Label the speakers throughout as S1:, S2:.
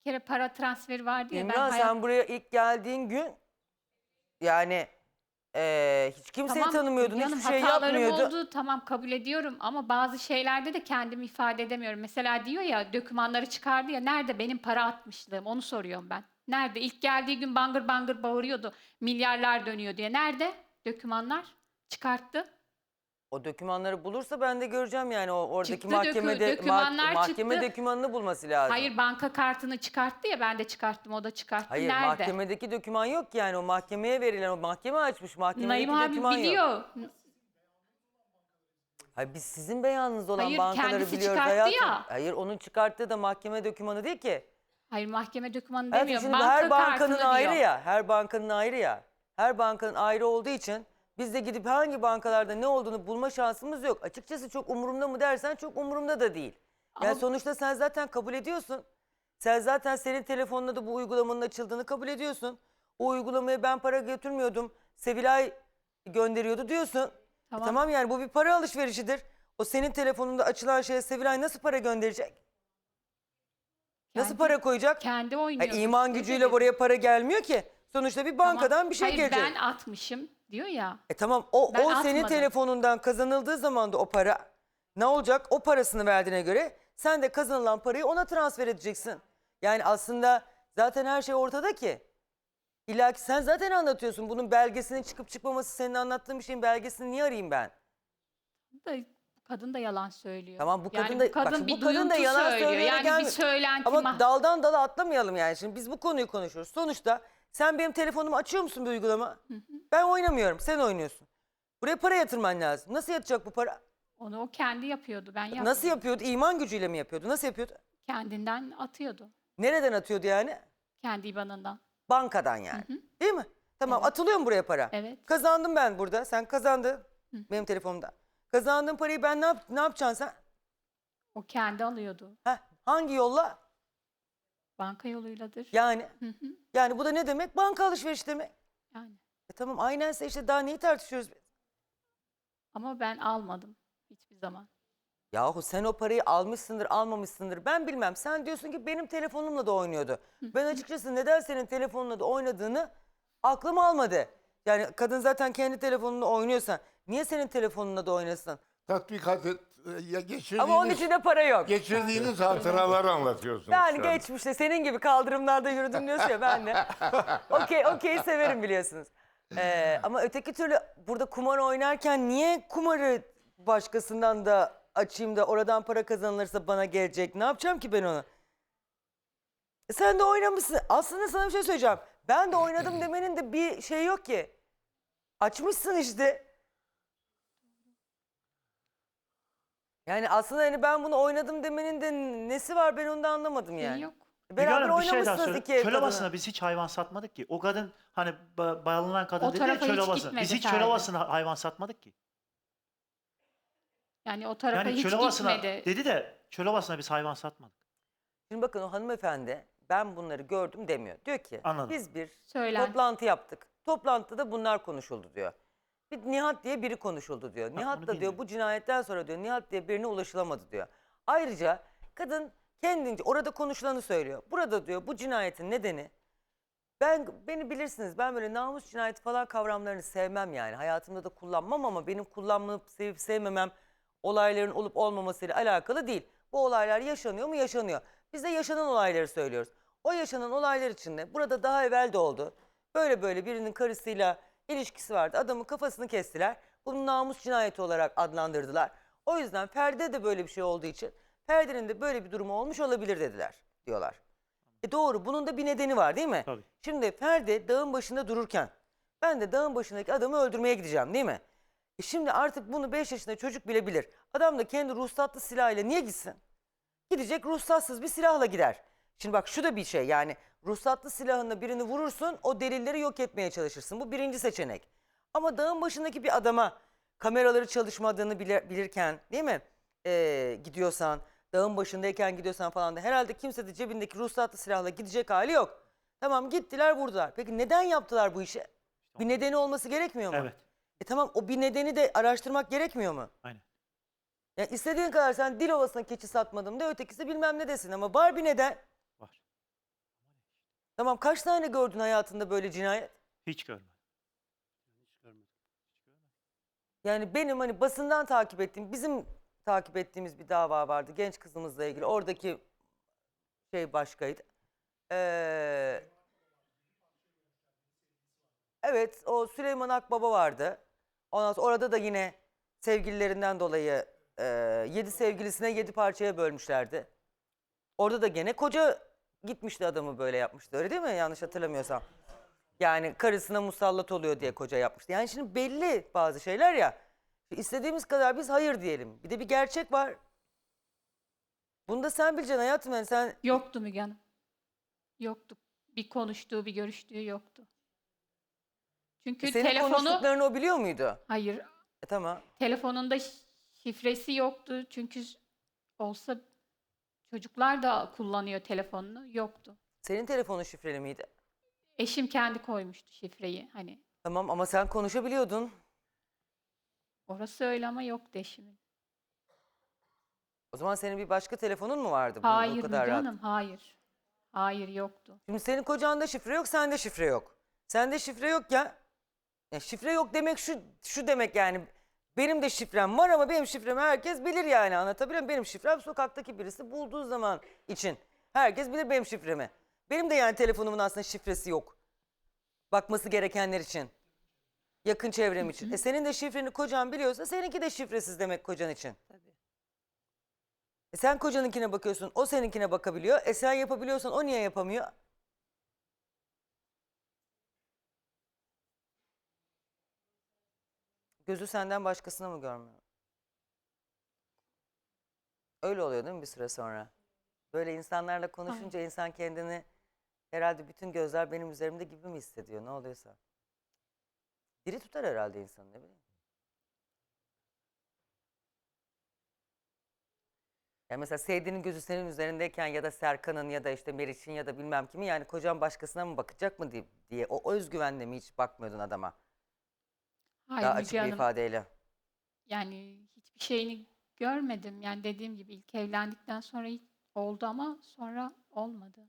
S1: kere para transferi vardı ya.
S2: İmran sen buraya ilk geldiğin gün yani hiç kimseyi
S1: Tamam
S2: tanımıyordun,
S1: Müge Hanım,
S2: hiçbir şey
S1: hatalarım
S2: yapmıyordun.
S1: oldu, tamam kabul ediyorum ama bazı şeylerde de kendimi ifade edemiyorum. Mesela diyor ya, dokümanları çıkardı ya, nerede benim para atmışlığım, onu soruyorum ben. Nerede? İlk geldiği gün bangır bangır bağırıyordu, milyarlar dönüyor diye. Nerede dokümanlar? Çıkarttı.
S2: O dokümanları bulursa ben de göreceğim yani oradaki
S1: Çıktı,
S2: mahkemede
S1: dokümanlar
S2: mahkeme
S1: çıktı.
S2: dokümanını bulması lazım.
S1: Hayır, banka kartını çıkarttı ya, ben de çıkarttım, o da çıkarttı.
S2: Hayır,
S1: Nerede?
S2: mahkemedeki doküman yok yani, o mahkemeye verilen, o mahkeme açmış,
S1: Naim
S2: mahkemedeki
S1: abi
S2: doküman yok.
S1: biliyor.
S2: Hayır, biz sizin beyanınız olan
S1: Hayır,
S2: bankaları
S1: kendisi
S2: biliyoruz
S1: çıkarttı
S2: hayatım.
S1: ya.
S2: Hayır, onun çıkarttığı da mahkeme dokümanı değil ki.
S1: Hayır, mahkeme dokümanı
S2: Hayatım,
S1: demiyor.
S2: şimdi
S1: Banka
S2: her bankanın
S1: kartını
S2: ayrı
S1: diyor.
S2: ya, her bankanın ayrı ya. Her bankanın ayrı olduğu için biz de gidip hangi bankalarda ne olduğunu bulma şansımız yok. Açıkçası çok umurumda mı dersen çok umurumda da değil. Yani
S1: Ama
S2: sonuçta sen zaten kabul ediyorsun. Sen zaten senin telefonuna da bu uygulamanın açıldığını kabul ediyorsun. O uygulamaya ben para götürmüyordum, Sevilay gönderiyordu diyorsun.
S1: tamam.
S2: Tamam yani bu bir para alışverişidir. O senin telefonunda açılan şeye Sevilay nasıl para gönderecek? Nasıl
S1: Kendi-
S2: para koyacak?
S1: Kendi
S2: Hayır,
S1: oynuyor.
S2: iman gücüyle buraya para gelmiyor ki. Sonuçta bir bankadan bir şey
S1: Hayır,
S2: gelecek.
S1: ben atmışım diyor ya.
S2: Tamam
S1: Ben
S2: o senin
S1: atmadım.
S2: telefonundan kazanıldığı zaman da o para ne olacak? O parasını verdiğine göre sen de kazanılan parayı ona transfer edeceksin. Yani aslında zaten her şey ortada ki. İlla ki sen zaten anlatıyorsun. Bunun belgesinin çıkıp çıkmaması, senin anlattığın bir şeyin belgesini niye arayayım ben?
S1: Kadın da yalan söylüyor.
S2: Tamam, bu kadın
S1: yani
S2: da
S1: bu kadın
S2: bak,
S1: bir
S2: bu kadın da
S1: duyuntu
S2: yalan
S1: söylüyor.
S2: söyleyerek
S1: Yani
S2: gelmiyor.
S1: bir söylenti
S2: Ama daldan dala atlamayalım yani. Şimdi biz bu konuyu konuşuyoruz. Sonuçta sen benim telefonumu açıyor musun bir uygulama? Ben oynamıyorum, sen oynuyorsun. Buraya para yatırman lazım. Nasıl yatacak bu para?
S1: Onu o kendi yapıyordu. Ben yapmıyordum.
S2: Nasıl yapıyordu? İman gücüyle mi yapıyordu? Nasıl yapıyordu?
S1: Kendinden atıyordu.
S2: Nereden atıyordu yani?
S1: Kendi IBAN'ından.
S2: Bankadan yani. Değil mi? Tamam,
S1: Evet.
S2: atılıyor mu buraya para?
S1: Evet.
S2: Kazandım ben burada. Sen kazandın benim telefonumda. Kazandığın parayı ben ne yapacaksın sen?
S1: O kendi alıyordu.
S2: Heh, hangi yolla?
S1: Banka yoluyladır.
S2: Yani.
S1: Hı hı.
S2: Yani bu da ne demek? Banka alışveriş demek.
S1: Yani.
S2: Tamam, aynense işte daha neyi tartışıyoruz biz?
S1: Ama ben almadım hiçbir zaman.
S2: Yahu sen o parayı almışsındır, almamışsındır. Ben bilmem. Sen diyorsun ki benim telefonumla da oynuyordu. Ben açıkçası neden senin telefonunla da oynadığını aklım almadı. Yani kadın zaten kendi telefonunla oynuyorsa niye senin telefonunla da oynasın?
S3: Tatbikat et,
S2: Ama onun içinde para yok.
S3: geçirdiğiniz hatıraları anlatıyorsunuz
S2: Yani
S3: şu an.
S2: geçmişte senin gibi kaldırımlarda yürüdüm diyorsun ya, ben de. Okey severim biliyorsunuz. Ama öteki türlü burada kumar oynarken niye kumarı başkasından da açayım da oradan para kazanılırsa bana gelecek? Ne yapacağım ki ben onu? Sen de oynamışsın. Aslında sana bir şey söyleyeceğim. Ben de oynadım demenin de bir şey yok ki. Açmışsın işte. Yani aslında hani ben bunu oynadım demenin de nesi var, ben onu da anlamadım yani.
S1: Yok.
S2: Beraber
S4: Hanım, bir şey daha
S2: oynamışsınız
S4: söyle.
S2: iki ev
S4: Çöl
S2: kadını.
S4: Ovası'na biz hiç hayvan satmadık ki. O kadın hani bağlanan kadın
S1: O
S4: dedi ya
S1: tarafa
S4: Çöl
S1: hiç
S4: Ovası'na.
S1: gitmedi
S4: Biz hiç
S1: Ferdi.
S4: Çöl Ovası'na hayvan satmadık ki.
S1: Yani o tarafa
S4: Yani
S1: hiç
S4: Çöl Ovası'na
S1: gitmedi.
S4: dedi de Çöl Ovası'na biz hayvan satmadık.
S2: Şimdi bakın, o hanımefendi ben bunları gördüm demiyor. Diyor ki
S4: Anladım.
S2: biz bir
S1: Söylen.
S2: toplantı yaptık. Toplantıda bunlar konuşuldu diyor. Bir Nihat diye biri konuşuldu diyor. Nihat
S4: onu
S2: da diyor
S4: bilmiyorum.
S2: bu cinayetten sonra diyor Nihat diye birine ulaşılamadı diyor. Ayrıca kadın kendince orada konuşulanı söylüyor. Burada diyor bu cinayetin nedeni, beni bilirsiniz, ben böyle namus cinayeti falan kavramlarını sevmem yani. Hayatımda da kullanmam ama benim kullanmayıp sevip sevmemem olayların olup olmamasıyla alakalı değil. Bu olaylar yaşanıyor mu? Yaşanıyor. Biz de yaşanan olayları söylüyoruz. O yaşanan olaylar içinde burada daha evvel de oldu. Böyle birinin karısıyla ilişkisi vardı. Adamın kafasını kestiler. Bunu namus cinayeti olarak adlandırdılar. O yüzden Ferdi'de de böyle bir şey olduğu için Ferdi'nin de böyle bir durumu olmuş olabilir dediler diyorlar. Doğru, bunun da bir nedeni var değil mi?
S4: Tabii.
S2: Şimdi Ferdi dağın başında dururken ben de dağın başındaki adamı öldürmeye gideceğim değil mi? Şimdi artık bunu 5 yaşında çocuk bile bilir. Adam da kendi ruhsatlı silahıyla niye gitsin? Gidecek, ruhsatsız bir silahla gider. Şimdi bak, şu da bir şey yani, ruhsatlı silahınla birini vurursun, o delilleri yok etmeye çalışırsın. Bu birinci seçenek. Ama dağın başındaki bir adama kameraları çalışmadığını bilirken değil mi? Gidiyorsan, dağın başındayken gidiyorsan falan da herhalde kimse de cebindeki ruhsatlı silahla gidecek hali yok. Tamam, gittiler vurdular. Peki neden yaptılar bu işi? Bir nedeni olması gerekmiyor mu?
S4: Evet.
S2: Tamam, o bir nedeni de araştırmak gerekmiyor mu?
S4: Aynen.
S2: Yani istediğin kadar sen Dilovası'na keçi satmadım de, ötekisi bilmem ne desin ama var bir neden.
S4: Var.
S2: Tamam, kaç tane gördün hayatında böyle cinayet?
S4: Hiç görmedim.
S2: Yani benim hani basından takip ettiğim, bizim takip ettiğimiz bir dava vardı genç kızımızla ilgili. Oradaki şey başkaydı. Evet, o Süleyman Akbaba vardı. Ondan sonra orada da yine sevgililerinden dolayı 7 sevgilisine 7 parçaya bölmüşlerdi. Orada da gene koca gitmişti, adamı böyle yapmıştı. Öyle değil mi? Yanlış hatırlamıyorsam. Yani karısına musallat oluyor diye koca yapmıştı. Yani şimdi belli bazı şeyler ya. İstediğimiz kadar biz hayır diyelim. Bir de bir gerçek var. Bunu da sen bileceksin hayatım. Yani sen
S1: Yoktu Müge Hanım. Yoktu. Bir konuştuğu, bir görüştüğü yoktu. Çünkü
S2: senin
S1: telefonu...
S2: konuştuklarını o biliyor muydu?
S1: Hayır.
S2: Tamam.
S1: Telefonunda şifresi yoktu. Çünkü olsa çocuklar da kullanıyor telefonunu. Yoktu.
S2: Senin telefonun şifreli miydi?
S1: Eşim kendi koymuştu şifreyi. Hani
S2: Tamam ama sen konuşabiliyordun.
S1: orası öyle ama yoktu eşimin.
S2: O zaman senin bir başka telefonun mu vardı? Bu
S1: Hayır Müge
S2: kadar rahat.
S1: Hanım, hayır. Hayır yoktu.
S2: Şimdi senin kocanda şifre yok, sende şifre yok. Sende şifre yok ya. Şifre yok demek şu demek yani. Benim de şifrem var ama benim şifremi herkes bilir yani, anlatabiliyor muyum? Benim şifrem sokaktaki birisi bulduğu zaman için. Herkes bilir benim şifremi. Benim de yani telefonumun aslında şifresi yok. Bakması gerekenler için. Yakın çevrem için. Senin de şifreni kocan biliyorsa seninki de şifresiz demek kocan için. Sen kocanınkine bakıyorsun, o seninkine bakabiliyor. Sen yapabiliyorsan o niye yapamıyor? Gözü senden başkasına mı görmüyor? Öyle oluyor değil mi bir süre sonra? Böyle insanlarla konuşunca insan kendini herhalde bütün gözler benim üzerimde gibi mi hissediyor, ne oluyorsa. Diri tutar herhalde insanı, ne bileyim. Yani mesela sevdiğinin gözü senin üzerindeyken ya da Serkan'ın ya da işte Meriç'in ya da bilmem kimin, yani kocan başkasına mı bakacak mı diye o özgüvenle mi hiç bakmıyordun adama?
S1: Hayır
S2: Daha
S1: Müge
S2: açık bir
S1: Hanım.
S2: ifadeyle.
S1: Yani hiçbir şeyini görmedim. Yani dediğim gibi ilk evlendikten sonra hiç oldu ama sonra olmadı.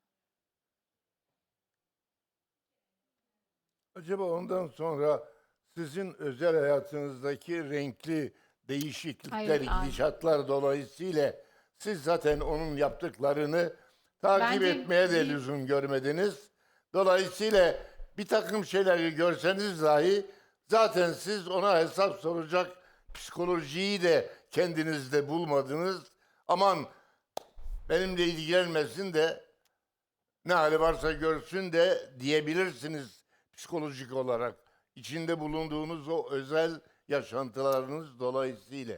S3: Acaba ondan sonra sizin özel hayatınızdaki renkli değişiklikler,
S1: Hayır, hayır.
S3: gidişatlar dolayısıyla siz zaten onun yaptıklarını takip
S1: Bence
S3: etmeye de
S1: bir-
S3: lüzum görmediniz. Dolayısıyla bir takım şeyleri görseniz dahi zaten siz ona hesap soracak psikolojiyi de kendinizde bulmadınız. Aman benimle ilgilenmesin de ne hali varsa görsün de diyebilirsiniz psikolojik olarak. İçinde bulunduğunuz o özel yaşantılarınız dolayısıyla.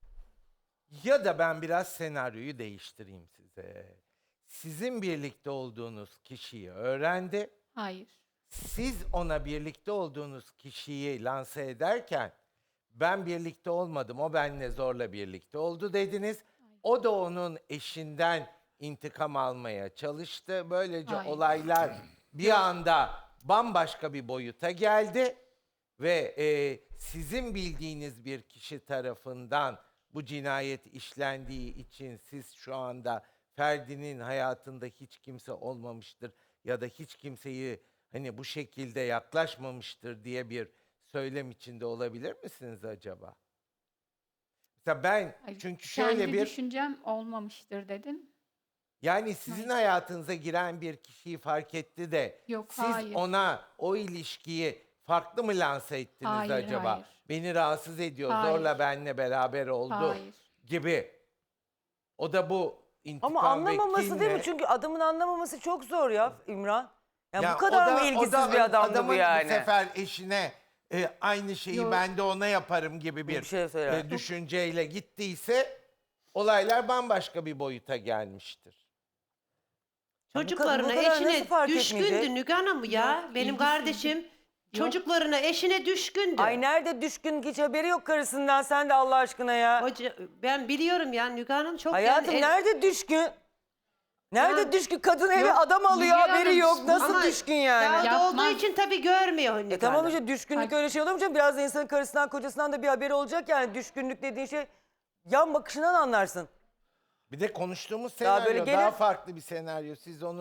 S5: Ya da ben biraz senaryoyu değiştireyim size. Sizin birlikte olduğunuz kişiyi öğrendi.
S1: Hayır.
S5: Siz ona birlikte olduğunuz kişiyi lanse ederken ben birlikte olmadım, o benimle zorla birlikte oldu dediniz. O da onun eşinden intikam almaya çalıştı. Böylece
S1: Hayır.
S5: olaylar bir anda bambaşka bir boyuta geldi. Ve sizin bildiğiniz bir kişi tarafından bu cinayet işlendiği için siz şu anda Ferdi'nin hayatında hiç kimse olmamıştır ya da hiç kimseyi hani bu şekilde yaklaşmamıştır diye bir söylem içinde olabilir misiniz acaba? Mesela ben
S1: Hayır.
S5: çünkü şöyle
S1: Kendi
S5: bir
S1: düşüncem olmamıştır dedim.
S5: yani sizin
S1: Hayır.
S5: hayatınıza giren bir kişiyi fark etti de
S1: Yok,
S5: siz
S1: hayır.
S5: ona o ilişkiyi farklı mı lanse ettiniz
S1: Hayır,
S5: acaba?
S1: hayır.
S5: Beni rahatsız ediyor,
S1: Hayır.
S5: zorla benimle beraber oldu
S1: Hayır.
S5: gibi. O da bu intikam
S2: Ama anlamaması
S5: ve
S2: değil mi?
S5: kinle-
S2: Çünkü adamın anlamaması çok zor ya İmran. Yani
S5: Ya
S2: bu kadar
S5: o
S2: mı
S5: da-
S2: ilgisiz
S5: o da
S2: bir adamdı bu
S5: adamın
S2: yani?
S5: Bu sefer eşine aynı şeyi
S1: Yok.
S5: ben de ona yaparım gibi
S2: Bir
S5: bir
S2: şey söyler.
S5: düşünceyle gittiyse olaylar bambaşka bir boyuta gelmiştir.
S6: Çocuklarına,
S2: bu kadar nasıl
S6: eşine
S2: fark
S6: düşkündü
S2: etmeyecek?
S6: Müge Hanım ya.
S1: Yok,
S6: Benim
S1: ilgisizdi.
S6: kardeşim çocuklarına, eşine düşkündü.
S2: Ay nerede düşkün, hiç haberi yok karısından, sen de Allah aşkına ya.
S6: Ben biliyorum ya Müge Hanım çok
S2: Hayatım
S6: yani
S2: nerede düşkün? Nerede
S6: Ya-
S2: düşkün? Kadın eve
S6: Yok,
S2: adam alıyor,
S1: Müge
S2: haberi
S1: Hanım,
S2: yok. Nasıl
S6: ama
S2: düşkün yani?
S6: dağda
S1: Yapmaz.
S6: olduğu için tabii görmüyor Müge
S2: Tamam
S6: Hanım.
S2: işte düşkünlük
S1: Ay.
S2: öyle şey olur mu canım? Biraz da insanın karısından kocasından da bir haberi olacak yani. Düşkünlük dediğin şey yan bakışından anlarsın.
S5: Bir de konuştuğumuz
S2: Daha
S5: senaryo
S2: böyle
S5: daha
S2: gelir-
S5: farklı bir senaryo. Siz onu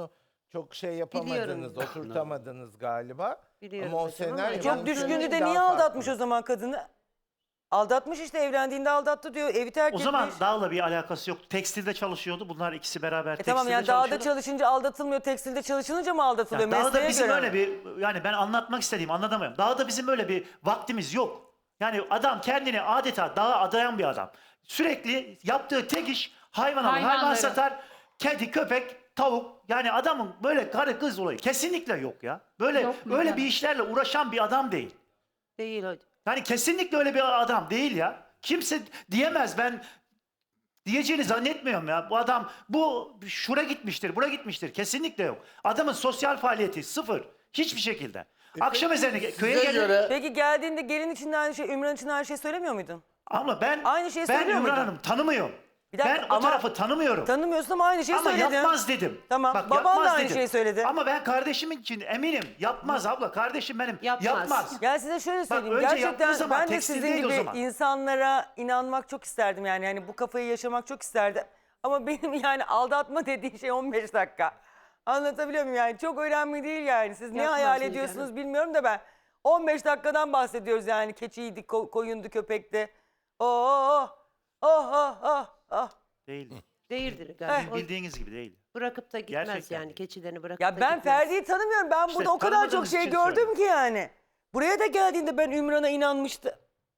S5: çok şey yapamadınız,
S6: Biliyorum.
S5: oturtamadınız galiba.
S6: Biliyorum
S5: Ama o
S6: hocam ama
S5: senaryo...
S6: yani-
S2: Çok
S5: ben
S2: düşkündü
S5: söyleyeyim,
S2: de
S5: daha
S2: niye
S5: farklı.
S2: aldatmış o zaman kadını? Aldatmış işte, evlendiğinde aldattı diyor. Evi terk
S4: O
S2: etmiş.
S4: zaman dağla bir alakası yok. Tekstilde çalışıyordu. Bunlar ikisi beraber tekstilde
S2: Tamam yani dağda
S4: çalışıyordu.
S2: çalışınca aldatılmıyor, tekstilde çalışılınca mı aldatılıyor?
S4: Ya dağda
S2: Mesleğe
S4: bizim
S2: göre
S4: öyle
S2: mi?
S4: bir, yani ben anlatmak istediğim anlatamıyorum. Dağda bizim öyle bir vaktimiz yok. Yani adam kendini adeta dağa adayan bir adam. Sürekli yaptığı tek iş hayvan alır, hayvan
S1: Hayvanları.
S4: satar, kedi, köpek, tavuk. Yani adamın böyle karı kız olayı kesinlikle yok ya. Böyle
S1: Yok mu
S4: öyle
S1: yani?
S4: bir işlerle uğraşan bir adam değil.
S6: Değil hocam.
S4: Yani kesinlikle öyle bir adam değil ya. Kimse diyemez, ben diyeceğini zannetmiyorum ya. Bu adam şura gitmiştir, bura gitmiştir. Kesinlikle yok. Adamın sosyal faaliyeti sıfır. Hiçbir şekilde. Akşam ezanı köye
S3: Size
S4: gelir.
S3: göre
S2: Peki geldiğinde gelin için de aynı şey, Ümran için de aynı şey söylemiyor muydun?
S4: Ama ben
S2: Aynı şeyi
S4: ben
S2: söylüyor
S4: Ümran
S2: muydun?
S4: Hanım tanımıyorum.
S2: Bir dakika,
S4: Ben o
S2: ama
S4: tarafı tanımıyorum.
S2: Tanımıyorsun ama aynı şeyi
S4: Ama
S2: söyledin.
S4: yapmaz dedim.
S2: Tamam,
S4: Bak,
S2: baban da
S4: yapmaz
S2: aynı
S4: dedim.
S2: şeyi söyledi.
S4: Ama ben kardeşim için eminim. Yapmaz abla. Kardeşim benim.
S6: Yapmaz.
S4: Yapmaz.
S2: Ya size şöyle söyleyeyim.
S4: önce yaptığı
S2: Gerçekten
S4: zaman
S2: ben de
S4: tekstil
S2: sizin
S4: değil o
S2: gibi
S4: zaman.
S2: insanlara inanmak çok isterdim yani. Yani bu kafayı yaşamak çok isterdim. Ama benim yani aldatma dediğin şey 15 dakika. Anlatabiliyor muyum yani? Çok önemli değil yani. Siz ne
S6: Yapmaz
S2: hayal
S6: Müge
S2: ediyorsunuz
S6: Hanım.
S2: bilmiyorum da ben 15 dakikadan bahsediyoruz yani. Keçiydi, koyundu, köpekti. Oh, oh, oh, oh, oh.
S4: Değil.
S6: Değildir
S2: Eh.
S6: galiba. O
S4: Bildiğiniz gibi değil.
S6: bırakıp da gitmez
S4: Gerçekten
S6: yani.
S4: değil.
S6: Keçilerini bırakıp
S2: Ya
S6: da
S2: ben
S6: gitmez.
S2: Ferdi'yi tanımıyorum. Ben
S4: İşte
S2: burada o kadar çok
S4: tanımadığınız
S2: şey
S4: için
S2: gördüm
S4: söylüyorum.
S2: ki yani. Buraya da geldiğinde ben Ümran'a inanmıştım.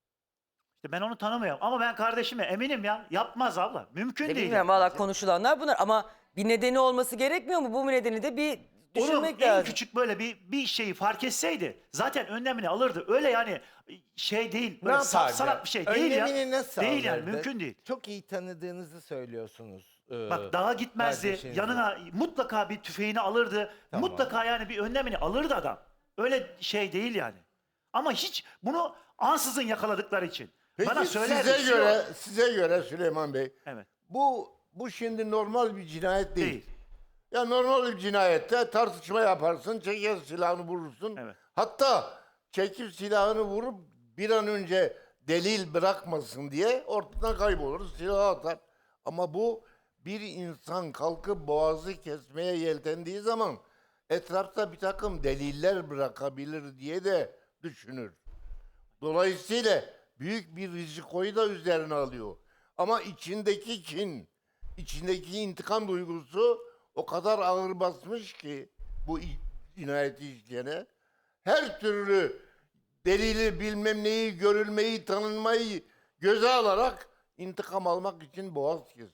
S4: İşte ben onu tanımıyorum. Ama ben kardeşime eminim ya. Yapmaz abla. Mümkün değil.
S2: Bilmiyorum valla konuşulanlar bunlar ama bir nedeni olması gerekmiyor mu? Bu nedeni de bir
S4: Onun
S2: düşünmek
S4: en
S2: lazım.
S4: küçük böyle bir şeyi fark etseydi zaten önlemini alırdı. Öyle yani şey değil.
S5: Ne
S4: Böyle
S5: yapardı?
S4: salak bir şey değil ya.
S5: Önlemini nasıl
S4: Değil yani
S5: alırdı?
S4: mümkün değil.
S5: Çok iyi tanıdığınızı söylüyorsunuz.
S4: Bak dağa gitmezdi.
S5: kardeşinizin.
S4: Yanına mutlaka bir tüfeğini alırdı.
S5: Tamam.
S4: Mutlaka yani bir önlemini alırdı adam. Öyle şey değil yani. Ama hiç bunu ansızın yakaladıkları için.
S3: peki
S4: Bana söyler
S3: size göre Süleyman Bey
S4: Evet.
S3: bu şimdi normal bir cinayet değil.
S4: Değil.
S3: Ya normal bir cinayette tartışma yaparsın, çeker silahını vurursun.
S4: Evet.
S3: Hatta çekip silahını vurup bir an önce delil bırakmasın diye ortadan kaybolur, silahı atar. Ama bu bir insan kalkıp boğazı kesmeye yeltendiği zaman etrafta bir takım deliller bırakabilir diye de düşünür. Dolayısıyla büyük bir rizikoyu da üzerine alıyor. Ama içindeki kin, içindeki intikam duygusu o kadar ağır basmış ki bu cinayeti işleyene. Her türlü delili bilmem neyi, görülmeyi, tanınmayı göze alarak intikam almak için boğaz kesiyor.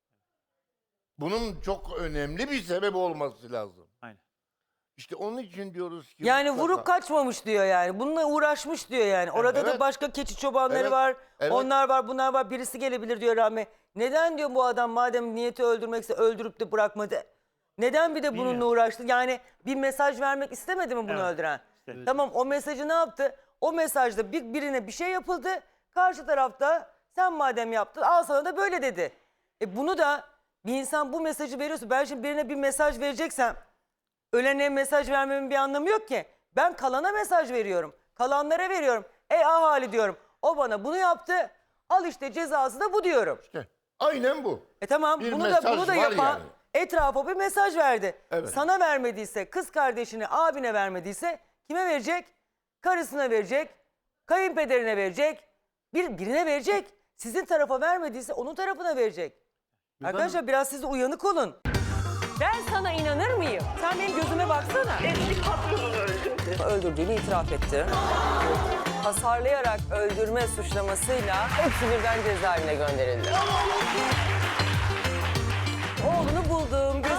S3: Bunun çok önemli bir sebep olması lazım.
S4: Aynen.
S3: İşte onun için diyoruz ki...
S2: Yani
S3: mutlaka-
S2: vurup kaçmamış diyor yani. Bununla uğraşmış diyor yani. Orada da
S3: Evet.
S2: başka keçi çobanları
S3: Evet,
S2: var.
S3: evet.
S2: Onlar var, bunlar var. Birisi gelebilir diyor Rahmi. Neden diyor bu adam madem niyeti öldürmekse öldürüp de bırakmadı? Neden bir de bununla
S4: Bilmiyorum.
S2: uğraştı? Yani bir mesaj vermek istemedi mi bunu
S4: Evet.
S2: öldüren?
S4: İşte-
S2: Tamam o mesajı ne yaptı? O mesajda birine bir şey yapıldı. Karşı tarafta sen madem yaptın al sana da böyle dedi. Bunu da bir insan bu mesajı veriyorsa ben şimdi birine bir mesaj vereceksem ölene mesaj vermemin bir anlamı yok ki. Ben kalana mesaj veriyorum. Kalanlara veriyorum. Ey ahali diyorum. O bana bunu yaptı. Al işte cezası da bu diyorum.
S3: İşte aynen bu.
S2: Tamam
S3: Bir
S2: bunu da
S3: mesaj var
S2: yapan
S3: yani.
S2: etrafa bir mesaj verdi.
S3: Evet.
S2: Sana vermediyse, kız kardeşine, abine vermediyse kime verecek? Karısına verecek, kayınpederine verecek, birine verecek. Sizin tarafa vermediyse onun tarafına verecek. Arkadaşlar biraz siz de uyanık olun. Ben sana inanır mıyım? Sen benim gözüme baksana.
S7: Eski patronunu öldürdü.
S2: Öldürdüğünü itiraf etti. Hasarlayarak öldürme suçlamasıyla hepsi birden cezaevine gönderildi. Oğlunu buldum,